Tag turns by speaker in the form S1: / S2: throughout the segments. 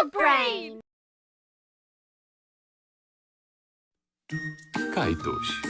S1: brain.
S2: Kajtuś.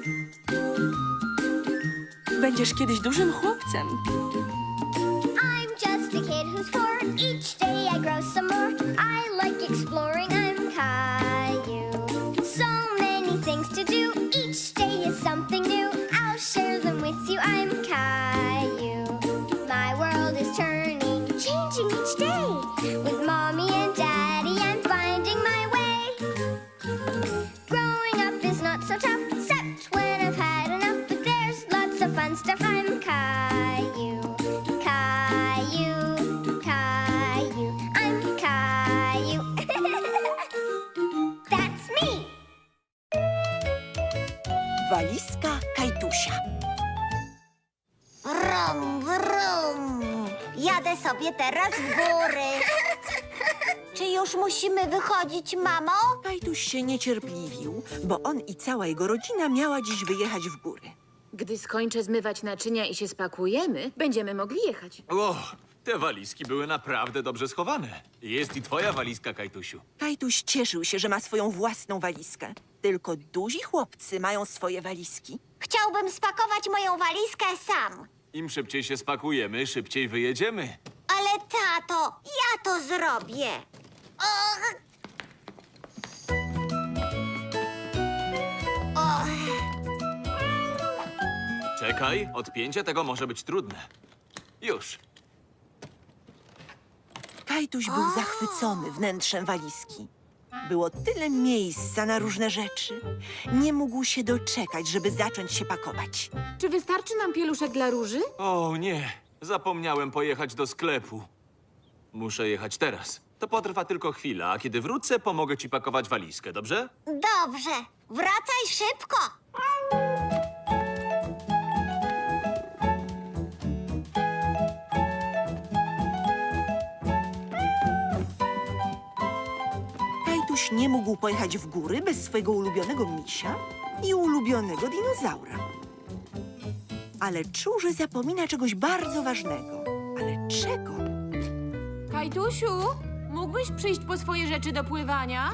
S3: Będziesz kiedyś dużym chłopcem.
S1: I'm just a kid who's 4. Each day I grow some more. I like exploring. I'm Caillou. So many things to do. Each day is something new. I'll share them with you. I'm Caillou. My world is turning, changing each day. With mommy and daddy, I'm finding my way. Growing up is not so tough, except when I've had enough. But there's lots of fun stuff. I'm Caillou. Caillou, Caillou, I'm Caillou. That's me.
S4: Walizka Kajtusia.
S5: Brum, brum. Jadę sobie teraz w góry. Czy już musimy wychodzić, mamo?
S4: Kajtuś się niecierpliwił, bo on i cała jego rodzina miała dziś wyjechać w góry.
S6: Gdy skończę zmywać naczynia i się spakujemy, będziemy mogli jechać.
S2: O, te walizki były naprawdę dobrze schowane. Jest i twoja walizka, Kajtusiu.
S4: Kajtuś cieszył się, że ma swoją własną walizkę. Tylko duzi chłopcy mają swoje walizki.
S5: Chciałbym spakować moją walizkę sam.
S2: Im szybciej się spakujemy, szybciej wyjedziemy.
S5: Ale tato, ja to zrobię. Och. Och.
S2: Czekaj, odpięcie tego może być trudne. Już.
S4: Kajtuś był zachwycony wnętrzem walizki. Było tyle miejsca na różne rzeczy. Nie mógł się doczekać, żeby zacząć się pakować.
S6: Czy wystarczy nam pieluszek dla róży?
S2: O nie, zapomniałem pojechać do sklepu. Muszę jechać teraz. To potrwa tylko chwilę, a kiedy wrócę, pomogę ci pakować walizkę, dobrze?
S5: Dobrze, wracaj szybko.
S4: Kajtuś nie mógł pojechać w góry bez swojego ulubionego misia i ulubionego dinozaura. Ale czuł, że zapomina czegoś bardzo ważnego. Ale czego?
S6: Kajtusiu, mógłbyś przyjść po swoje rzeczy do pływania?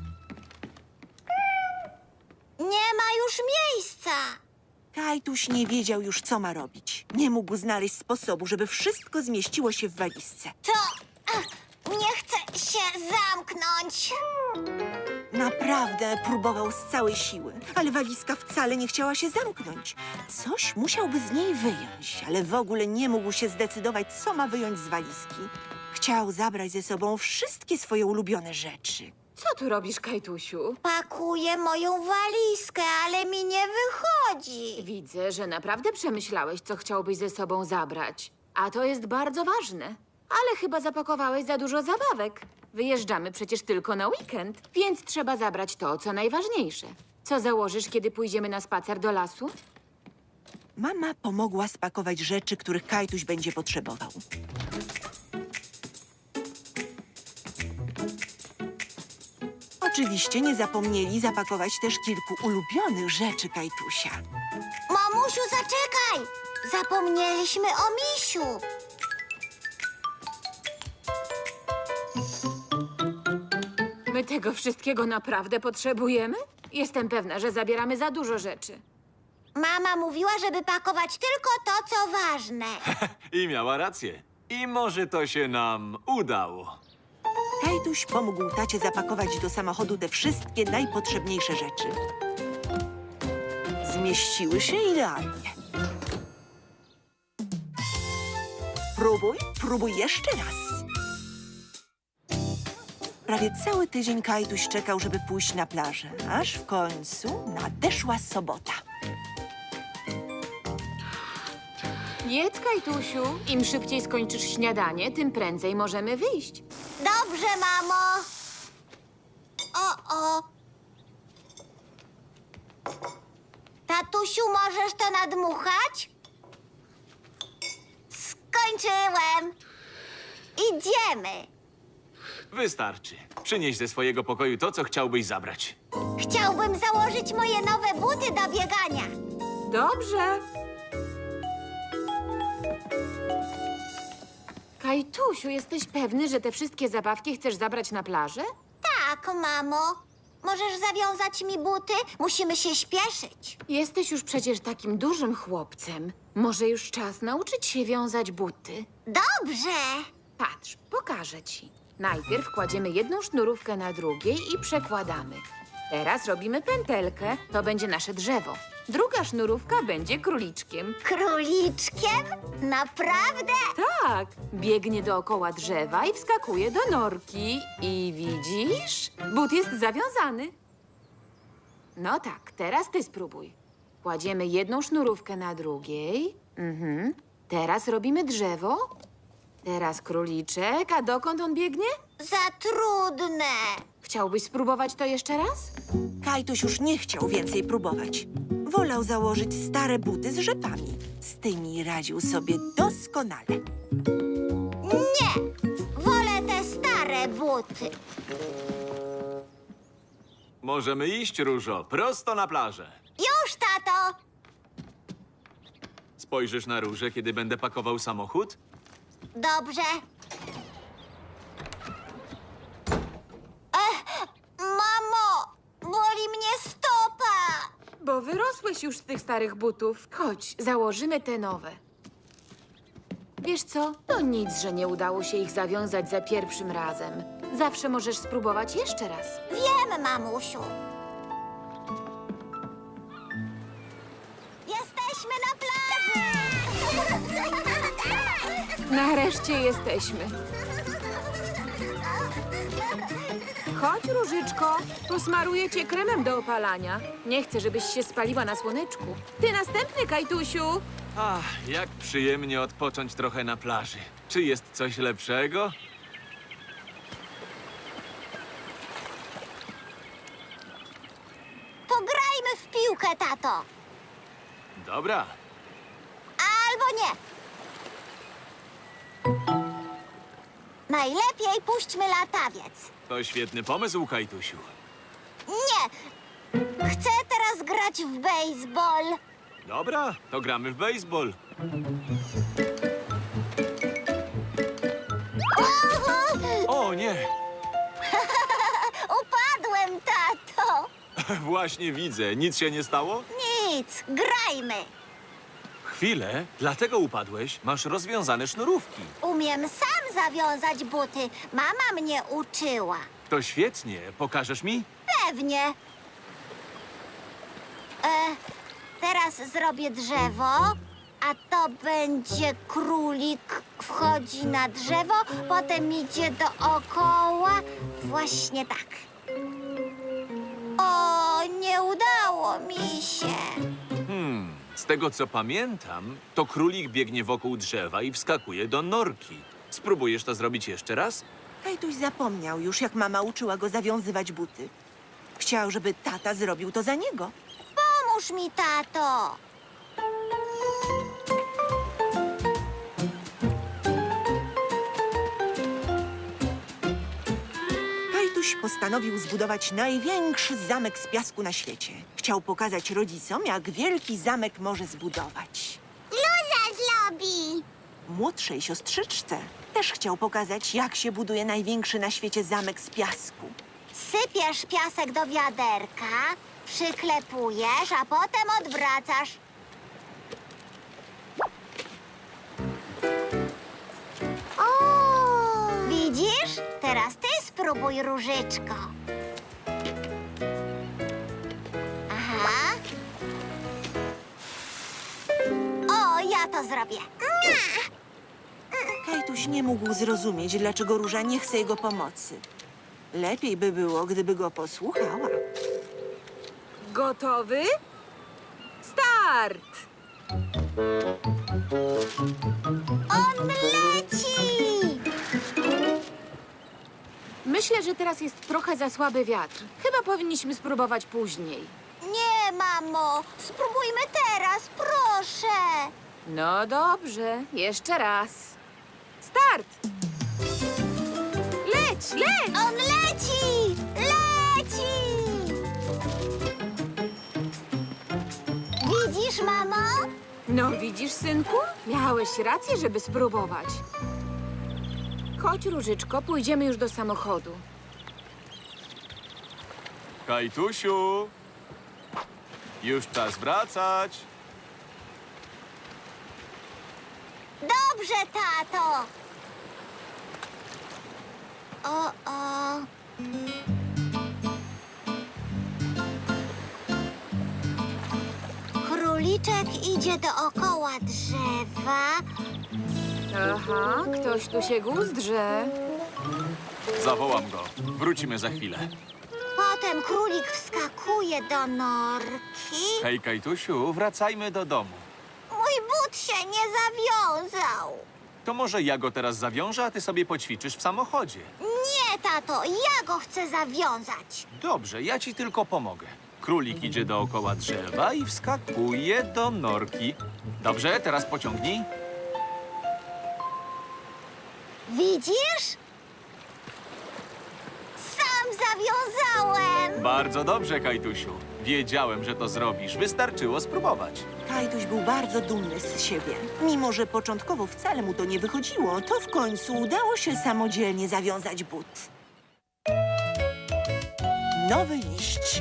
S5: Nie ma już miejsca.
S4: Kajtuś nie wiedział już, co ma robić. Nie mógł znaleźć sposobu, żeby wszystko zmieściło się w walizce.
S5: To... nie chcę się zamknąć.
S4: Naprawdę próbował z całej siły, ale walizka wcale nie chciała się zamknąć. Coś musiałby z niej wyjąć, ale w ogóle nie mógł się zdecydować, co ma wyjąć z walizki. Chciał zabrać ze sobą wszystkie swoje ulubione rzeczy.
S6: Co tu robisz, Kajtusiu?
S5: Pakuję moją walizkę, ale mi nie wychodzi.
S6: Widzę, że naprawdę przemyślałeś, co chciałbyś ze sobą zabrać. A to jest bardzo ważne. Ale chyba zapakowałeś za dużo zabawek. Wyjeżdżamy przecież tylko na weekend, więc trzeba zabrać to, co najważniejsze. Co założysz, kiedy pójdziemy na spacer do lasu?
S4: Mama pomogła spakować rzeczy, których Kajtuś będzie potrzebował. Oczywiście nie zapomnieli zapakować też kilku ulubionych rzeczy Kajtusia.
S5: Mamusiu, zaczekaj! Zapomnieliśmy o misiu.
S6: My tego wszystkiego naprawdę potrzebujemy? Jestem pewna, że zabieramy za dużo rzeczy.
S5: Mama mówiła, żeby pakować tylko to, co ważne.
S2: I miała rację. I może to się nam udało.
S4: Kajtuś pomógł tacie zapakować do samochodu te wszystkie najpotrzebniejsze rzeczy. Zmieściły się idealnie. Próbuj jeszcze raz. Prawie cały tydzień Kajtuś czekał, żeby pójść na plażę, aż w końcu nadeszła sobota.
S6: Jedz, Kajtusiu. Im szybciej skończysz śniadanie, tym prędzej możemy wyjść.
S5: Dobrze, mamo. O. Tatusiu, możesz to nadmuchać? Skończyłem. Idziemy.
S2: Wystarczy. Przynieś ze swojego pokoju to, co chciałbyś zabrać.
S5: Chciałbym założyć moje nowe buty do biegania.
S6: Dobrze. Kajtusiu, jesteś pewny, że te wszystkie zabawki chcesz zabrać na plażę?
S5: Tak, mamo. Możesz zawiązać mi buty? Musimy się śpieszyć.
S6: Jesteś już przecież takim dużym chłopcem. Może już czas nauczyć się wiązać buty.
S5: Dobrze.
S6: Patrz, pokażę ci. Najpierw kładziemy jedną sznurówkę na drugiej i przekładamy. Teraz robimy pętelkę, to będzie nasze drzewo. Druga sznurówka będzie króliczkiem.
S5: Króliczkiem? Naprawdę?
S6: Tak, biegnie dookoła drzewa i wskakuje do norki. I widzisz? But jest zawiązany. No tak, teraz ty spróbuj. Kładziemy jedną sznurówkę na drugiej. Teraz robimy drzewo. Teraz króliczek, a dokąd on biegnie?
S5: Za trudne.
S6: Chciałbyś spróbować to jeszcze raz?
S4: Kajtuś już nie chciał więcej próbować. Wolał założyć stare buty z rzepami. Z tymi radził sobie doskonale.
S5: Nie. Wolę te stare buty.
S2: Możemy iść, Różo, prosto na plażę.
S5: Już, tato.
S2: Spojrzysz na Różę, kiedy będę pakował samochód?
S5: Dobrze. Mamo, boli mnie stopa.
S6: Bo wyrosłeś już z tych starych butów. Chodź, założymy te nowe. Wiesz co? To nic, że nie udało się ich zawiązać za pierwszym razem. Zawsze możesz spróbować jeszcze raz.
S5: Wiem, mamusiu. Jesteśmy na plaży.
S6: Nareszcie jesteśmy. Chodź, Różyczko. Posmaruję cię kremem do opalania. Nie chcę, żebyś się spaliła na słoneczku. Ty następny, Kajtusiu.
S2: Ach, jak przyjemnie odpocząć trochę na plaży. Czy jest coś lepszego?
S5: Pograjmy w piłkę, tato.
S2: Dobra.
S5: Albo nie. Najlepiej puśćmy latawiec.
S2: To świetny pomysł, Kajtusiu.
S5: Nie. Chcę teraz grać w baseball.
S2: Dobra, to gramy w baseball. O nie!
S5: Upadłem, tato.
S2: Właśnie widzę. Nic się nie stało?
S5: Nic, grajmy.
S2: Chwilę, dlatego upadłeś. Masz rozwiązane sznurówki.
S5: Umiem sam zawiązać buty. Mama mnie uczyła.
S2: To świetnie. Pokażesz mi?
S5: Pewnie. Teraz zrobię drzewo, a to będzie królik. Wchodzi na drzewo, potem idzie dookoła. Właśnie tak. O, nie udało mi się.
S2: Z tego co pamiętam, to królik biegnie wokół drzewa i wskakuje do norki. Spróbujesz to zrobić jeszcze raz?
S4: Kajtuś zapomniał już, jak mama uczyła go zawiązywać buty. Chciał, żeby tata zrobił to za niego.
S5: Pomóż mi, tato.
S4: Kajtuś postanowił zbudować największy zamek z piasku na świecie. Chciał pokazać rodzicom, jak wielki zamek może zbudować.
S5: Luza zrobi.
S4: Młodszej siostrzyczce też chciał pokazać, jak się buduje największy na świecie zamek z piasku.
S5: Sypiesz piasek do wiaderka, przyklepujesz, a potem odwracasz. O! Widzisz? Teraz ty spróbuj, Różyczko. Aha. O, ja to zrobię.
S4: Kajtuś nie mógł zrozumieć, dlaczego Róża nie chce jego pomocy. Lepiej by było, gdyby go posłuchała.
S6: Gotowy? Start!
S5: On leci!
S6: Myślę, że teraz jest trochę za słaby wiatr. Chyba powinniśmy spróbować później.
S5: Nie, mamo. Spróbujmy teraz, proszę.
S6: No dobrze, jeszcze raz. Start! Leć, leć!
S5: On leci! Leci! Widzisz, mamo?
S6: No widzisz, synku? Miałeś rację, żeby spróbować. Chodź, Różyczko, pójdziemy już do samochodu.
S2: Kajtusiu! Już czas wracać.
S5: Dobrze, tato. O. Króliczek idzie dookoła drzewa.
S6: Aha, ktoś tu się guzdrze.
S2: Zawołam go. Wrócimy za chwilę.
S5: Potem królik wskakuje do norki.
S2: Hej, Kajtusiu, wracajmy do domu.
S5: Mój but się nie zawiązał.
S2: To może ja go teraz zawiążę, a ty sobie poćwiczysz w samochodzie.
S5: Nie, tato, ja go chcę zawiązać.
S2: Dobrze, ja ci tylko pomogę. Królik idzie dookoła drzewa i wskakuje do norki. Dobrze, teraz pociągnij.
S5: Widzisz? Sam zawiązałem.
S2: Bardzo dobrze, Kajtusiu. Wiedziałem, że to zrobisz. Wystarczyło spróbować.
S4: Kajtuś był bardzo dumny z siebie. Mimo że początkowo wcale mu to nie wychodziło, to w końcu udało się samodzielnie zawiązać but. Nowy liść.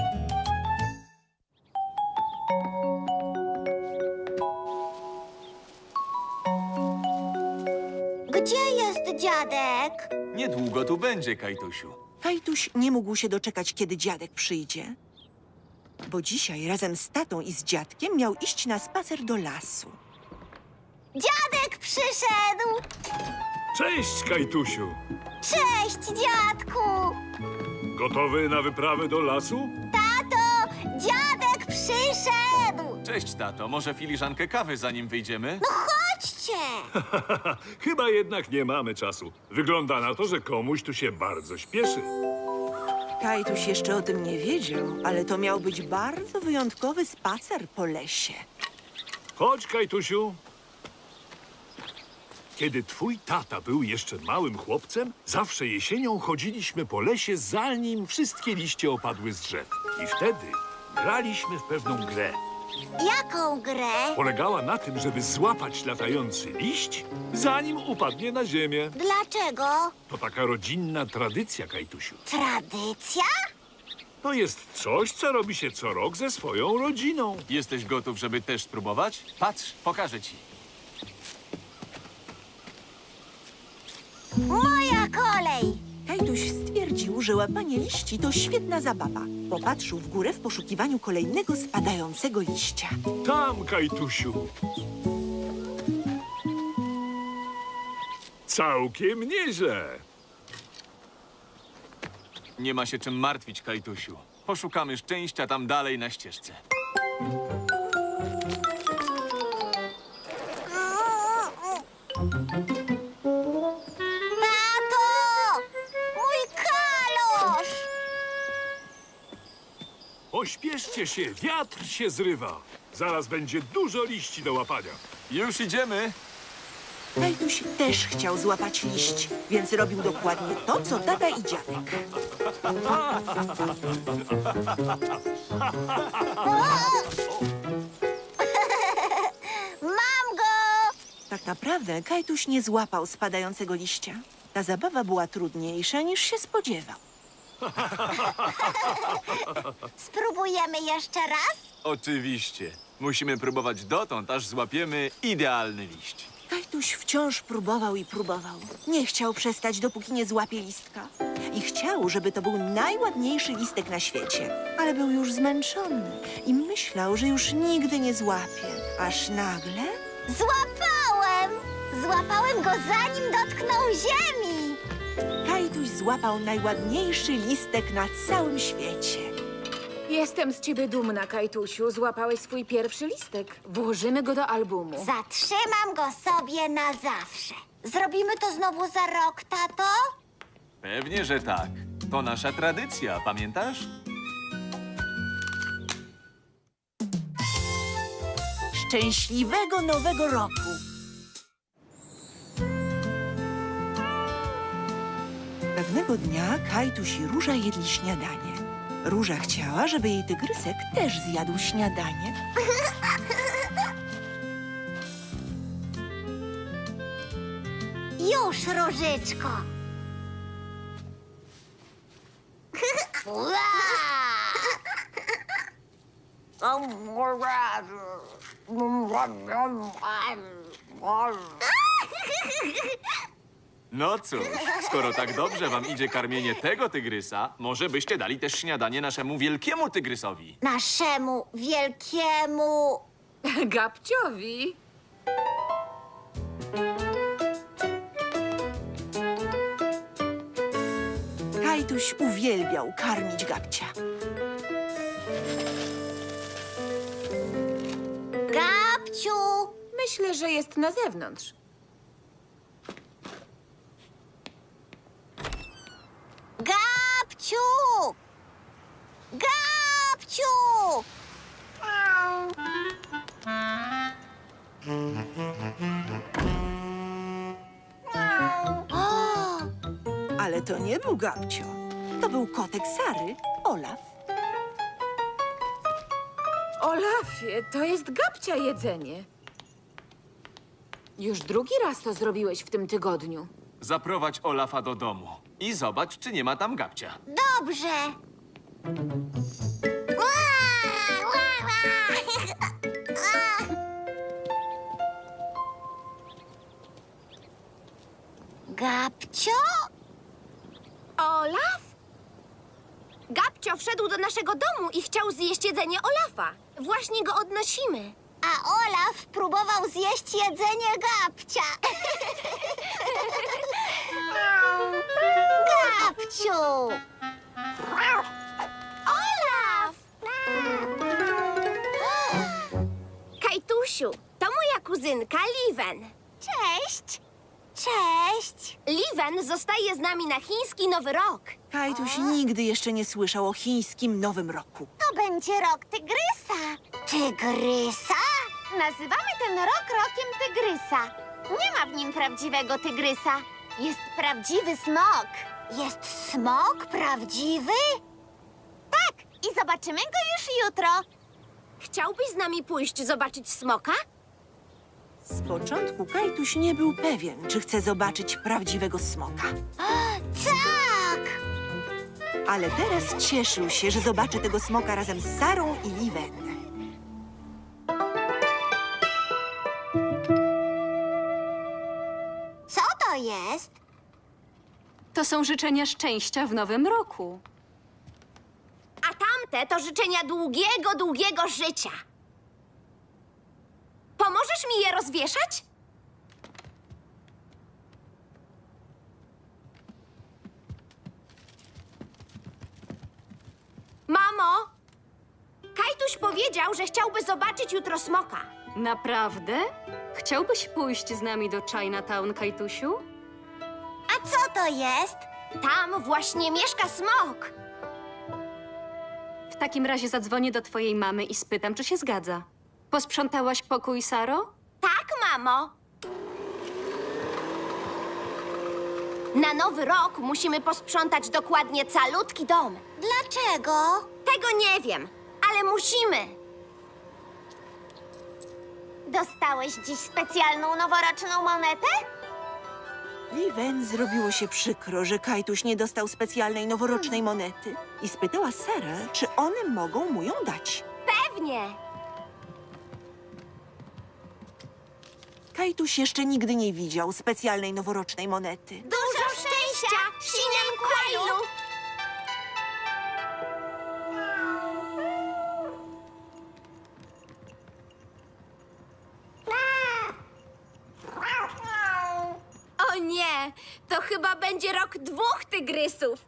S5: Gdzie jest dziadek?
S2: Niedługo tu będzie, Kajtusiu.
S4: Kajtuś nie mógł się doczekać, kiedy dziadek przyjdzie. Bo dzisiaj razem z tatą i z dziadkiem miał iść na spacer do lasu.
S5: Dziadek przyszedł.
S7: Cześć, Kajtusiu.
S5: Cześć, dziadku.
S7: Gotowy na wyprawę do lasu?
S5: Tato, dziadek przyszedł.
S2: Cześć, tato. Może filiżankę kawy, zanim wyjdziemy?
S5: Chodźcie.
S7: Chyba jednak nie mamy czasu. Wygląda na to, że komuś tu się bardzo śpieszy.
S4: Kajtuś jeszcze o tym nie wiedział, ale to miał być bardzo wyjątkowy spacer po lesie.
S7: Chodź, Kajtusiu. Kiedy twój tata był jeszcze małym chłopcem, zawsze jesienią chodziliśmy po lesie, zanim wszystkie liście opadły z drzew. I wtedy graliśmy w pewną grę.
S5: Jaką grę?
S7: Polegała na tym, żeby złapać latający liść, zanim upadnie na ziemię.
S5: Dlaczego?
S7: To taka rodzinna tradycja, Kajtusiu.
S5: Tradycja?
S7: To jest coś, co robi się co rok ze swoją rodziną.
S2: Jesteś gotów, żeby też spróbować? Patrz, pokażę ci.
S5: Moja kolej.
S4: Kajtuś stwierdził, że łapanie liści to świetna zabawa. Popatrzył w górę w poszukiwaniu kolejnego spadającego liścia.
S7: Tam, Kajtusiu. Całkiem nieźle.
S2: Nie ma się czym martwić, Kajtusiu. Poszukamy szczęścia tam dalej na ścieżce.
S5: Tato! Mój kalosz!
S7: Pośpieszcie się, wiatr się zrywa. Zaraz będzie dużo liści do łapania.
S2: Już idziemy.
S4: Kajtuś też chciał złapać liść, więc robił dokładnie to, co tata i dziadek.
S5: Mam go!
S4: Tak naprawdę Kajtuś nie złapał spadającego liścia. Ta zabawa była trudniejsza, niż się spodziewał.
S5: Spróbujemy jeszcze raz?
S2: Oczywiście. Musimy próbować dotąd, aż złapiemy idealny liść.
S4: Kajtuś wciąż próbował i próbował. Nie chciał przestać, dopóki nie złapie listka. I chciał, żeby to był najładniejszy listek na świecie. Ale był już zmęczony i myślał, że już nigdy nie złapie. Aż nagle...
S5: Złapałem! Złapałem go, zanim dotknął ziemi!
S4: Kajtuś złapał najładniejszy listek na całym świecie.
S6: Jestem z ciebie dumna, Kajtusiu. Złapałeś swój pierwszy listek. Włożymy go do albumu.
S5: Zatrzymam go sobie na zawsze. Zrobimy to znowu za rok, tato?
S2: Pewnie, że tak. To nasza tradycja, pamiętasz?
S4: Szczęśliwego Nowego Roku! Pewnego dnia Kajtuś i Róża jedli śniadanie. Róża chciała, żeby jej tygrysek też zjadł śniadanie.
S5: Już, Różyczko.
S2: No cóż, skoro tak dobrze wam idzie karmienie tego tygrysa, może byście dali też śniadanie naszemu wielkiemu tygrysowi.
S5: Naszemu wielkiemu...
S6: Gabciowi.
S4: Kajtuś uwielbiał karmić Gabcia.
S5: Gabciu!
S6: Myślę, że jest na zewnątrz.
S5: Gabciu! Gabciu! O!
S4: Ale to nie był Gabcio. To był kotek Sary, Olaf.
S6: Olafie, to jest Gabcia jedzenie. Już drugi raz to zrobiłeś w tym tygodniu.
S2: Zaprowadź Olafa do domu i zobacz, czy nie ma tam Gabcia.
S5: Dobrze. Gabcio?
S1: Olaf? Gabcio wszedł do naszego domu i chciał zjeść jedzenie Olafa. Właśnie go odnosimy.
S5: A Olaf próbował zjeść jedzenie Gabcia. Gabciu!
S1: Olaf! Kajtusiu, to moja kuzynka Liven.
S5: Cześć! Cześć!
S1: Liven zostaje z nami na chiński Nowy Rok.
S4: Kajtuś nigdy jeszcze nie słyszał o chińskim Nowym Roku.
S5: To będzie rok tygrysa. Tygrysa?
S1: Nazywamy ten rok rokiem tygrysa. Nie ma w nim prawdziwego tygrysa. Jest prawdziwy smok.
S5: Jest smok prawdziwy?
S1: Tak, i zobaczymy go już jutro. Chciałbyś z nami pójść zobaczyć smoka?
S4: Z początku Kajtuś nie był pewien, czy chce zobaczyć prawdziwego smoka.
S5: Tak!
S4: Ale teraz cieszył się, że zobaczy tego smoka razem z Sarą i Liven.
S5: Co to jest?
S8: To są życzenia szczęścia w nowym roku.
S1: A tamte to życzenia długiego, długiego życia. Pomożesz mi je rozwieszać? Mamo, Kajtuś powiedział, że chciałby zobaczyć jutro smoka.
S8: Naprawdę? Chciałbyś pójść z nami do Chinatown, Kajtusiu?
S5: A co to jest?
S1: Tam właśnie mieszka smok.
S8: W takim razie zadzwonię do twojej mamy i spytam, czy się zgadza. Posprzątałaś pokój, Saro?
S1: Tak, mamo. Na Nowy Rok musimy posprzątać dokładnie calutki dom.
S5: Dlaczego?
S1: Tego nie wiem, ale musimy.
S5: Dostałeś dziś specjalną noworoczną monetę?
S4: Liven zrobiło się przykro, że Kajtuś nie dostał specjalnej noworocznej monety i spytała Sarę, czy one mogą mu ją dać.
S1: Pewnie.
S4: Kajtuś jeszcze nigdy nie widział specjalnej noworocznej monety.
S1: Dużo szczęścia, Sinem Kwailu! O nie, to chyba będzie rok 2 tygrysów.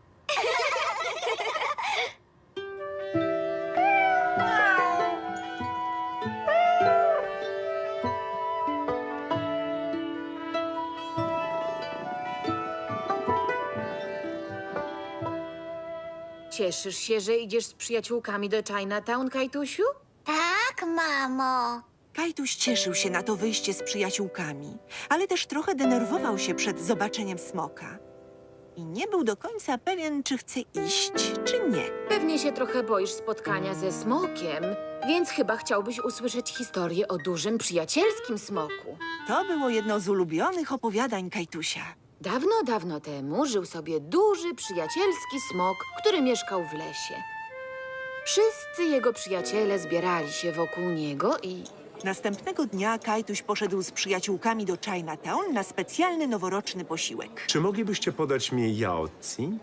S6: Cieszysz się, że idziesz z przyjaciółkami do Chinatown, Kajtusiu?
S5: Tak, mamo.
S4: Kajtuś cieszył się na to wyjście z przyjaciółkami, ale też trochę denerwował się przed zobaczeniem smoka. i nie był do końca pewien, czy chce iść, czy nie.
S6: Pewnie się trochę boisz spotkania ze smokiem, więc chyba chciałbyś usłyszeć historię o dużym, przyjacielskim smoku.
S4: To było jedno z ulubionych opowiadań Kajtusia.
S6: Dawno, dawno temu żył sobie duży, przyjacielski smok, który mieszkał w lesie. Wszyscy jego przyjaciele zbierali się wokół niego i...
S4: Następnego dnia Kajtuś poszedł z przyjaciółkami do Chinatown na specjalny noworoczny posiłek.
S9: Czy moglibyście podać mi yaozi?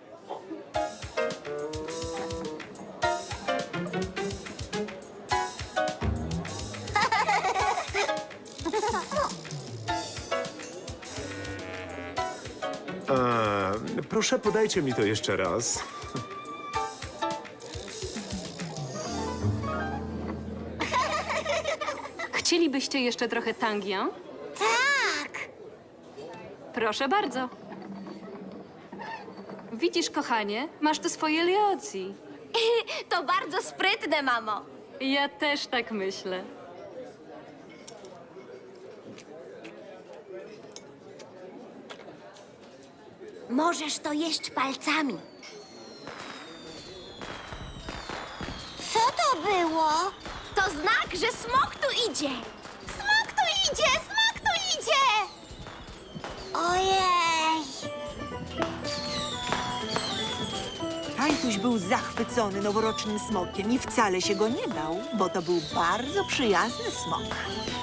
S9: Proszę, podajcie mi to jeszcze raz.
S8: Chcielibyście jeszcze trochę tangian?
S5: Tak!
S8: Proszę bardzo. Widzisz, kochanie, masz tu swoje leocji.
S5: To bardzo sprytne, mamo.
S8: Ja też tak myślę.
S5: Możesz to jeść palcami. Co to było? To znak, że smok tu idzie. Smok tu idzie! Smok tu idzie! Ojej!
S4: Kajtuś był zachwycony noworocznym smokiem i wcale się go nie bał, bo to był bardzo przyjazny smok.